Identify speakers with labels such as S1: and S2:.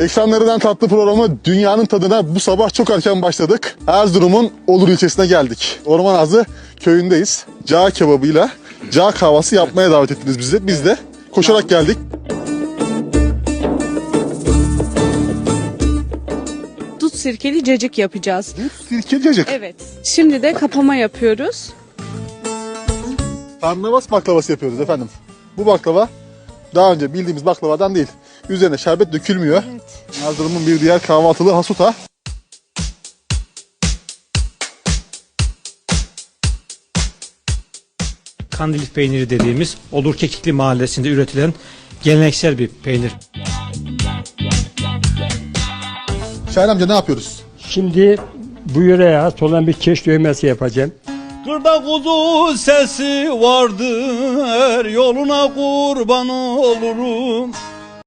S1: Ekranlarından tatlı programı Dünyanın Tadına bu sabah çok erken başladık. Erzurum'un Olur ilçesine geldik. Orman Ağzı köyündeyiz. Cağ kebabıyla cağ kahvası yapmaya davet ettiniz bizi. Biz de koşarak geldik.
S2: Dut sirkeli cacık yapacağız.
S1: Sirkeli cacık.
S2: Evet. Şimdi de kapama yapıyoruz.
S1: Tarnavas baklavası yapıyoruz efendim. Bu baklava daha önce bildiğimiz baklavadan değil. Üzerine şerbet dökülmüyor.
S2: Evet.
S1: Erzurum'un bir diğer kahvaltılı hasuta.
S3: Kandilli peyniri dediğimiz Olur Kekikli mahallesinde üretilen geleneksel bir peynir.
S1: Şahin amca ne yapıyoruz?
S4: Şimdi bu yöreye has olan bir keş dövmesi yapacağım.
S5: Kırda kuzu sesi vardır, yoluna kurban olurum.